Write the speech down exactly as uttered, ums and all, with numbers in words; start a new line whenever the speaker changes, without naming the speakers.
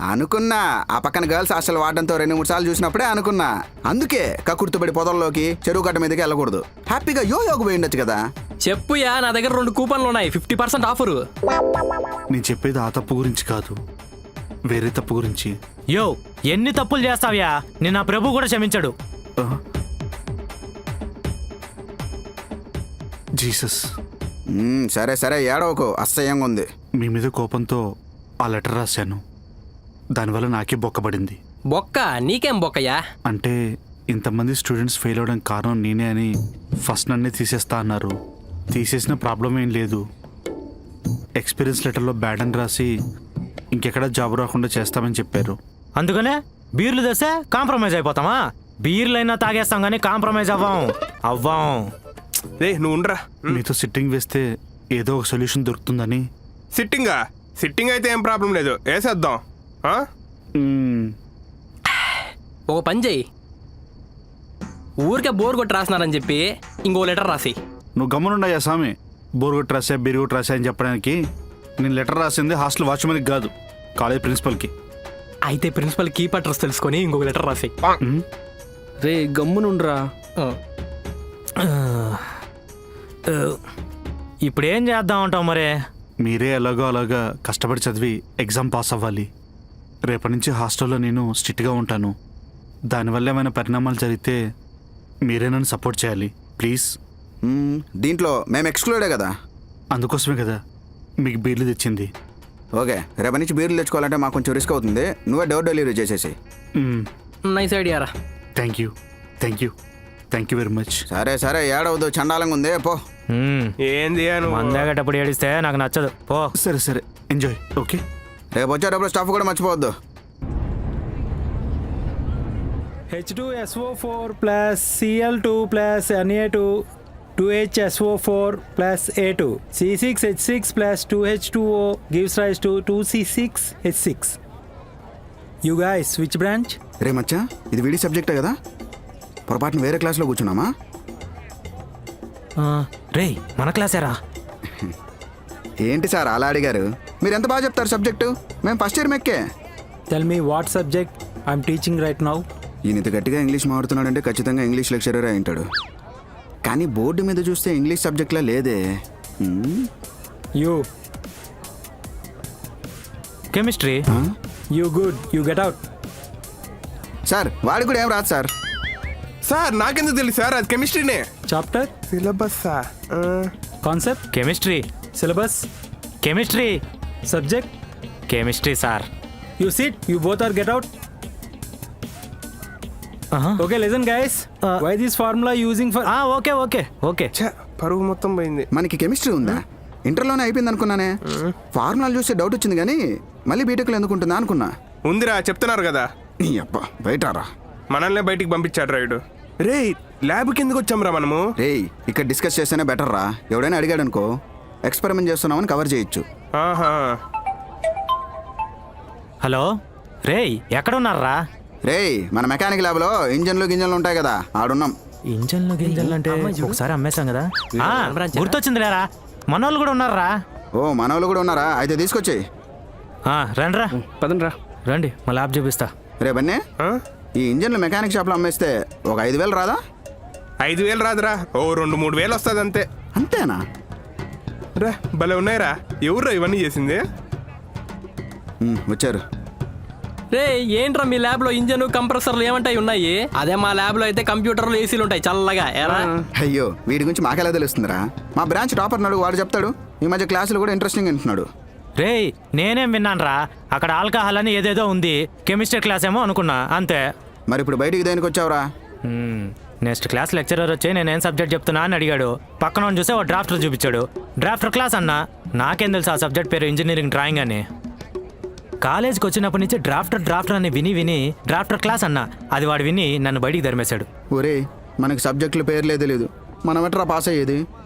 అనుకున్నా ఆ పక్కన గర్ల్స్ హాస్టల్ వాడడంతో రెండు మూడు సార్లు చూసినప్పుడే అనుకున్నా. అందుకే కక్కుర్తుపడి పొదల్లోకి చెరువు గట్ట మీదకి వెళ్ళకూడదు. హ్యాపీగా యో యోగ పోయి ఉండొచ్చు కదా.
చెప్పుయా, నా దగ్గర రెండు కూపన్లు ఉన్నాయి, ఫిఫ్టీ పర్సెంట్ ఆఫరు.
నేను చెప్పేది ఆ తప్పు గురించి కాదు, వేరే తప్పు గురించి.
యో ఎన్ని తప్పులు చేస్తావ్యా, నిన్న ప్రభు కూడా క్షమించాడు.
జీసస్.
మ్మ్, సరే సరే ఏడవకు, అసహ్యంగా ఉంది.
మీ మీద కోపంతో ఆ లెటర్ రాశాను, దానివల్ల నాకే బొక్కబడింది.
బొక్క? నీకేం బొక్కయ్యా?
అంటే ఇంతమంది స్టూడెంట్స్ ఫెయిల్ అవడానికి కారణం నేనే అని ఫస్ట్ నన్నే తీసేస్తా అన్నారు. తీసేసిన ప్రాబ్లం ఏం లేదు. ఎక్స్పీరియన్స్ లెటర్లో బ్యాడ్ అని రాసి ఇంకెక్కడ జాబ్ రాకుండా చేస్తామని చెప్పారు.
అందుకనే బీర్లు తెస్తే కాంప్రమైజ్ అయిపోతామా? బీర్లైనా తాగేస్తాం కానీ కాంప్రమైజ్ అవ్వం అవ్వం
రే నువ్వు ఉండరా.
మీతో సిట్టింగ్ వేస్తే ఏదో ఒక సొల్యూషన్ దొరుకుతుందని.
సిట్టింగా? సిట్టింగ్ అయితే ఏం ప్రాబ్లం లేదు, వేసేద్దాం. ఆ?
మ్మ్.
ఒక పని చెయ్యి, ఊరికే బోర్ కొట్టి రాసినారని చెప్పి ఇంకో లెటర్ రాసి.
నువ్వు గమ్మునుండయ్యా స్వామి. బోర్ కొట్టి రాసా బీరు కొట్టి రాసా అని చెప్పడానికి. నేను లెటర్ రాసింది హాస్టల్ వాచ్మెన్కి కాదు, కాలేజ్ ప్రిన్సిపల్కి.
అయితే ప్రిన్సిపల్ కీప్ అడ్రస్ తెలుసుకొని ఇంకొక లెటర్ రాసి.
రే గమ్మునుండ్రా.
ఇప్పుడేం చేద్దాం అంటావు మరే?
మీరే ఎలాగో అలాగా కష్టపడి చదివి ఎగ్జామ్ పాస్ అవ్వాలి. రేపటి నుంచి హాస్టల్లో నేను స్ట్రిక్ట్గా ఉంటాను. దానివల్ల ఏమైనా పరిణామాలు జరిగితే మీరే నన్ను సపోర్ట్ చేయాలి ప్లీజ్.
మ్మ్, దీంట్లో మేము ఎక్స్క్లూడే కదా.
అందుకోసమే కదా మీకు బీర్లు తెచ్చింది.
ఓకే, రేపటి నుంచి బీర్లు తెచ్చుకోవాలంటే మాకు కొంచెం రిస్క్ అవుతుంది. నువ్వే డోర్ డెలివరీ చేసేసి.
నైస్ ఐడియా రా.
Thank you thank you thank you very much.
సరే సరే ఏడవద్దు, చండాలంగా ఉంది పో.
ఏంది
మందేగేటప్పుడు ఏడిస్తే నాకు నచ్చదు, పో.
సరే సరే ఎంజాయ్. ఓకే,
రేపు వచ్చేటప్పుడు స్టాఫ్ కూడా మర్చిపోవద్దు.
H two S O four plus C L two plus N A two two H S O four plus A two C six H six plus two H two O gives rise to two C six H six. You guys which branch?
రే మచ్చా, ఇది వీడి సబ్జెక్టే కదా, పొరపాటున వేరే క్లాస్లో కూర్చున్నామా?
రే మన క్లాసేరా.
ఏంటి సార్ అలా అడిగారు? మీరు ఎంత బాగా చెప్తారు సబ్జెక్టు, మేము ఫస్ట్ ఇయర్ మెక్కే.
Tell me what subject I'm teaching right now.
ఈయన ఇంత గట్టిగా ఇంగ్లీష్ మాడుతున్నాడంటే ఖచ్చితంగా ఇంగ్లీష్ లెక్చరర్ అయి ఉంటాడు. కానీ బోర్డు మీద చూస్తే ఇంగ్లీష్ సబ్జెక్ట్లా లేదే.
You
chemistry.
You good, you get out.
Sir వాడికి కూడా ఏం రాదు సార్.
సార్ నాకెందుకు తెలుసు సార్, అది కెమిస్ట్రీనే.
Chapter,
syllabus
concept,
chemistry.
Syllabus,
chemistry.
Subject,
chemistry sir.
you sit, you both are get out.
Uh-huh.
Okay, listen guys, uh, why this formula using for
okay okay okay
పరువు మొత్తం పోయింది.
మనకి chemistry ఉందా? ఇంటర్లోనే అయిపోయింది అనుకున్నానే. ఫార్ములాలు చూస్తే doubt వచ్చింది కానీ మళ్ళీ బీటెక్లో ఎందుకుంటుందా అనుకున్నా.
ఉందిరా, చెప్తున్నారు కదా.
నీ అబ్బా బయటరా.
మనల్నే బయటికి పంపించాడు రైడు. రే ల్యాబ్కి ఎందుకు వచ్చాంరా మనము?
రేయ్ ఇక్కడ డిస్కస్ చేస్తేనే బెటర్ రా. ఎవడైనా అడిగాడు అనుకో ఎక్స్పెరిమెంట్ చేస్తున్నామని కవర్ చేయొచ్చు.
ఆహా.
హలో రేయ్ ఎక్కడున్నారా?
రేయ్ మన మెకానిక్ ల్యాబ్లో ఇంజన్లు గింజన్లు ఉంటాయి కదా, ఆడున్నాం.
ఇంజన్లు గింజన్లు అంటే ఒకసారి అమ్మేశాం కదా. గుర్తొచ్చింది లేరా, మనోళ్ళు కూడా ఉన్నారా?
ఓ మనోళ్ళు కూడా ఉన్నారా? అయితే తీసుకొచ్చేయి.
రండిరా
పదండ్రా.
రండి మా ల్యాబ్ చూపిస్తా.
రే బన్నే, ఈ ఇంజన్లు మెకానిక్ షాప్లో అమ్మేస్తే ఒక ఐదు వేలు రాదా?
ఐదు వేలు రాదురా, ఓ రెండు మూడు వేలు వస్తుంది అంతే.
అంతేనా?
రా భలే ఉన్నాయిరా. ఎవర్రా ఇవన్నీ చేసింది?
వచ్చారు.
రే ఏంట్రా మీ ల్యాబ్ లో ఇంజన్ కంప్రెసర్లు ఏమంటాయి ఉన్నాయి? అదే మా ల్యాబ్ లో అయితే కంప్యూటర్లు ఏసీలు ఉంటాయి చల్లగా. ఎరా
అయ్యో వీడి గురించి మాకెలా తెలుస్తుందిరా? మా బ్రాంచ్ టాపర్ నాడు వాడు చెప్తాడు. ఈ మధ్య క్లాసులు కూడా ఇంట్రెస్టింగ్ అంటున్నాడు.
రేయ్ నేనేం విన్నానరా, అక్కడ ఆల్కహాల్ అని ఏదేదో ఉంది, కెమిస్ట్రీ క్లాస్ ఏమో అనుకున్నా అంతే.
మరి ఇప్పుడు బయటికి దేనికి వచ్చావురా?
నెక్స్ట్ క్లాస్ లెక్చరర్ వచ్చి నేనేం సబ్జెక్ట్ చెప్తున్నా అని అడిగాడు. పక్కన చూస్తే ఓ డ్రాఫ్టర్ చూపించాడు. డ్రాఫ్టర్ క్లాస్ అన్నా, నాకేం తెలుసు ఆ సబ్జెక్ట్ పేరు ఇంజనీరింగ్ డ్రాయింగ్ అని. కాలేజ్కి వచ్చినప్పటి నుంచి డ్రాఫ్టర్ డ్రాఫ్టర్ అని విని విని డ్రాఫ్టర్ క్లాస్ అన్నా, అది వాడు విని నన్ను బయటికి ధర్మేశాడు.
ఒరే మనకి సబ్జెక్టుల పేర్లే తెలియదు, మనం ఎట్రా పాస్ అయ్యేది?